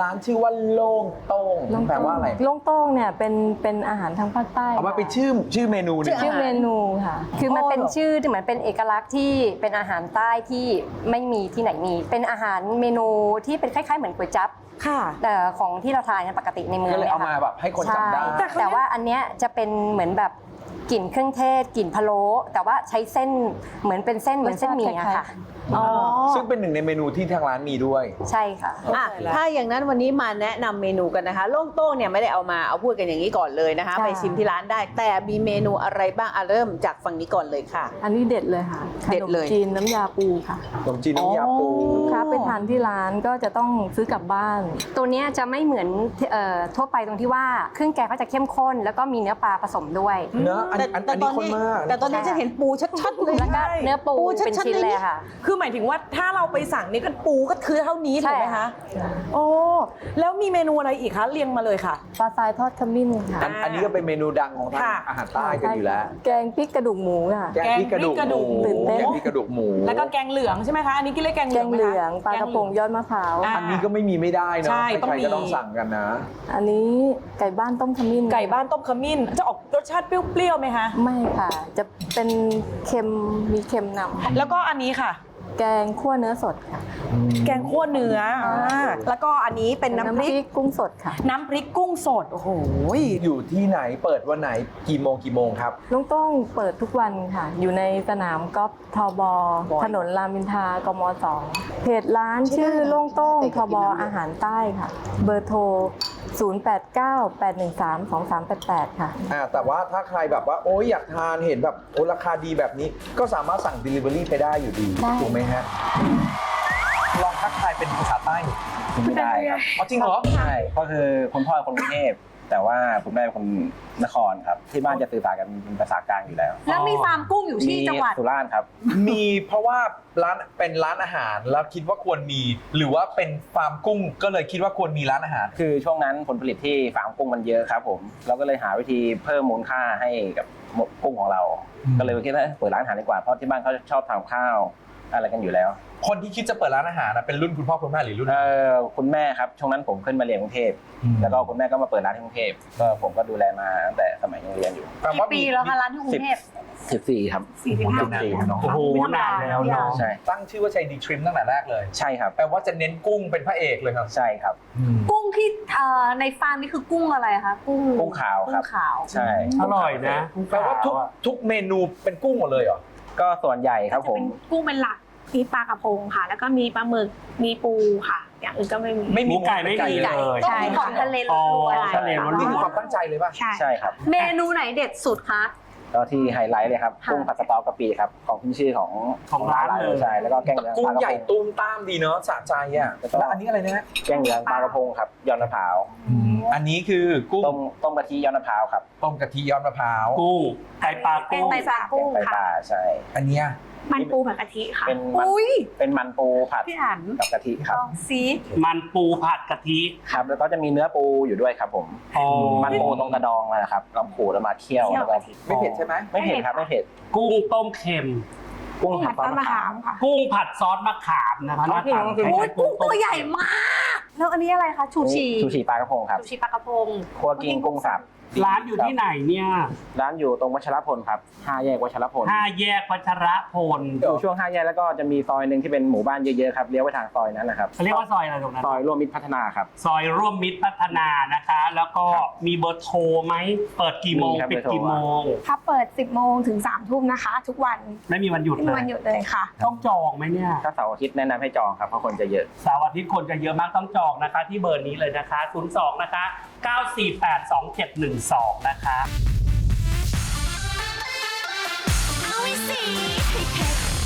ร้านชื่อว่าโล่งโต้งแปลว่าอะไรโล่งโต้งเนี่ยเป็นอาหารทางภาคใต้เอามาเป็นชื่อเมนูนี่ชื่อเมนูค่ะคือมันเป็นชื่อที่เหมือนเป็นเอกลักษณ์ที่เป็นอาหารใต้ที่ไม่มีที่ไหนมี เป็นอาหารเมนูที่เป็นคล้ายๆเหมือนก๋วยจั๊บค่ะแต่ของที่เราทานกันปกติในเมืองก็เลยนี่เอามาแบบให้คนจำได้ใช่แต่ว่าอันเนี้ยจะเป็นเหมือนแบบกลิ่นเครื่องเทศกลิ่นพะโล้แต่ว่าใช้เส้นเหมือนเป็นเส้นเหมือนเส้นหมี่อะค่ะอ๋อซึ่งเป็นหนึ่งในเมนูที่ทางร้านมีด้วยใช่ค่ะอ่ะถ้าอย่างนั้นวันนี้มาแนะนำเมนูกันนะคะโล่งโต้งเนี่ยไม่ได้เอาพูดกันอย่างนี้ก่อนเลยนะคะค่ะไปชิมที่ร้านได้ แต่มีเมนูอะไรบ้างเริ่มจากฝั่งนี้ก่อนเลยค่ะอันนี้เด็ดเลยค่ะเด็ดเลยขนมจีนน้ำยาปูค่ะขนมจีนน้ำยาปูลูกค้าไปทานที่ร้านก็จะต้องซื้อกลับบ้านตัวเนี้ยจะไม่เหมือนทั่วไปตรงที่ว่าเครื่องแกงเขาจะเข้มข้น แล้วก็มีเนื้อปลาผสมด้วยเนื้ออันนี้ข้นมากแต่ตอนนี้จะเห็นปูชัดๆเลยแล้วก็เนื้อปูเป็นชิ้นเลยค่ะคือหมายถึงว่าถ้าเราไปสั่งนี่ก็ปูก็คือเท่านี้ใช่ถูกไหมคะโอ้แล้วมีเมนูอะไรอีกคะเรียงมาเลยค่ะปลาทรายทอดขมิ้นค่ะอันนี้ก็เป็นเมนูดังของทางค่ะอาหารใต้กันอยู่แล้วแกงพริกกระดูกหมูค่ะแกงพริกกระดูกหมูตื่นเต้นแกงพริกกระดูกหมูแล้วก็แกงเหลืองใช่ไหมคะอันนี้กินเรียกแกงเหแกลืองงไหมเหคะลืองปลากระพงยอดมะพร้าวอ่ะอันนี้ก็ไม่มีไม่ได้เนาะใช่ต้องใครมีๆก็ต้องสั่งกันนะอันนี้ไก่บ้านต้มขมิ้นไก่บ้านต้มขมิ้นจะออกรสชาติเปรี้ยวๆไหมคะไม่ค่ะ จะเป็นเค็มมีเค็มนำแล้วก็อันนี้ค่ะแกงคั่วเนื้อสดค่ะแกงคั่วเนื้อแล้วก็อันนี้เป็นน้ำพริกกุ้งสดค่ะน้ำพริกกุ้งสดโอ้โหอยู่ที่ไหนเปิดวันไหนกี่โมงครับลุงโต้งเปิดทุกวันค่ะ อยู่ในสนามกอล์ฟทบถนนรามอินทรากม2เพจร้านชื่อโล่งโต้งทบอาหารใต้ค่ะ เบอร์โทร 0898132388 ค่ะแต่ว่าถ้าใครแบบว่าโอ้ยอยากทานเห็นแบบโอ้ราคาดีแบบนี้ ก็สามารถสั่ง Delivery ไปได้อยู่ดีได้ถูกไหมฮะลองทักทายเป็นภาษาใต้หน่อยไม่ได้ครับอ๋อจริงเหรอใช่ก็คือคุณพ่อเป็นคนกรุงเทพแต่ว่าคุณแม่เป็นคนนครครับที่บ้านจะสื่อสารกันเป็นภาษากลางอยู่แล้วแล้วมีฟาร์มกุ้งอยู่ที่จังหวัดสุราษฎร์ครับมีเพราะว่าร้านเป็นร้านอาหารแล้วคิดว่าควรมี หรือว่าเป็นฟาร์มกุ้งก็เลยคิดว่าควรมีร้านอาหารคือช่วงนั้นผลผลิตที่ฟาร์มกุ้งมันเยอะครับผมเราก็เลยหาวิธีเพิ่มมูลค่าให้กับกุ้งของเรา ก็เลยคิดว่าเปิดร้านอาหารดีกว่าเพราะที่บ้านเขาชอบทำข้าวอะไรกันอยู่แล้วคนที่คิดจะเปิดร้านอาหารนะเป็นรุ่นคุณพ่อคุณแม่หรือรุ่นคุณแม่ครับช่วงนั้นผมขึ้นมาเรียนกรุงเทพอืมแล้วก็คุณแม่ก็มาเปิดร้านที่กรุงเทพก็ผมก็ดูแลมาตั้งแต่สมัยยังเรียนอยู่แปลกี่ว่าปีแล้วคะร้านที่กรุงเทพ 14 ครับ 45 เนาะโอ้โหนานแล้วเนาะใช่ตั้งชื่อว่าใจดีทริมตั้งแต่แรกเลยใช่ครับแปลว่าจะเน้นกุ้งเป็นพระเอกเลยครับใช่ครับกุ้งที่ในฟาร์มนี่คือกุ้งอะไรคะกุ้งกุ้งขาวครับกุ้งขาวใช่อร่อยนะแปลว่าทุกเมนูเป็นกุ้งหมดเลยเหรอก็ส่วนใหญ่ครับจะผมเป็นกุ้งเป็นหลักมีปลากระพงค่ะ แล้วก็มีปลาหมึกมีปูค่ะ อย่างอื่นก็ไม่มีไม่มีหมูไก่ไม่มีเลยต้องมีของทะเลล้วนอ๋อทะเลล้วนนี่คือความตั้งใจเลยป่ะใช่ใช่ครับเมนูไหนเด็ดสุดคะก็ที่ไฮไลท์เลยครับค่ะกุ้งผัดสตอกะปิครับของขึ้นชื่อของร้านเลยใช่แล้วก็แกงเหลืองกุ้ปงลากระใหญ่พงตุ้มตามดีเนาะสะใจอ่ะแล้วอันนี้อะไรนะฮะแกงเหลืองปลากระพงครับยอดมะพร้าวอันนี้คือกุ้งต้มกะทิยอดมะพร้าวครับต้มกะทิยอดมะพร้าวกุ้งไก่ปลาแกงกุ้งไตปลากุ้งแกงไตปค่ะลาใช่อันเนี้ยมันปูผัดกะทิค่ะเป็นมันปูผัดพี่อันกับกะทิครับลองซีมันปูผัดกะทิครับแล้วก็จะมีเนื้อปูอยู่ด้วยครับผมอ๋อมันปูตรงกระดองนะครับเราขูดแล้วมาเคี่ยวแล้วก็ไม่เผ็ดใช่ไหมไม่เผ็ดครับไม่เผ็ดกุ้งต้มเค็มกุ้งผัผัดดต้นซอสมะมะขาขาม มค่ะกุ้งผัดซอสมะขามนะคะหน้าตาโอ้ยกุ้งตัวใหญ่มาก แล้วอันนี้อะไรคะชูชีชูชีปลากระพงครับชูชีปลากระพงคั่วกิ้งกุ้งสับร้านอยู่ที่ไหนเนี่ยร้านอยู่ตรงวัชรพลครับ5 แยกวัชรพล 5 แยกวัชรพลอยู่ช่วง5 แยกแล้วก็จะมีซอยหนึ่งที่เป็นหมู่บ้านเยอะๆครับเลี้ยวไปทางซอยนั้นนะครับเขาเรียกว่าซอยอะไรตรงนั้นซอยร่วมมิตรพัฒนาครับซอยร่วมมิตรพัฒนานะคะ แล้วก็มีเบอร์โทรไหมเปิดกี่โมงมีครับปิดกี่โมงถ้าเปิด 10 โมงถึง 3 ทุ่มนะคะ ทุกวันไม่มีวันหยุดไม่เลมีวันยหยุดเลยค่ะต้องจองไหมเนี่ยถ้าเสาร์อาทิตย์แนะนำให้จองครับเพราะคนจะเยอะเสาร์อาทิตย์คนจะเยอะมากต้องจองนะคะ ที่เบอร์นี้เลยนะคะ 02 นะคะ 9482712 นะคะเอาไว้สิให้เผ็ด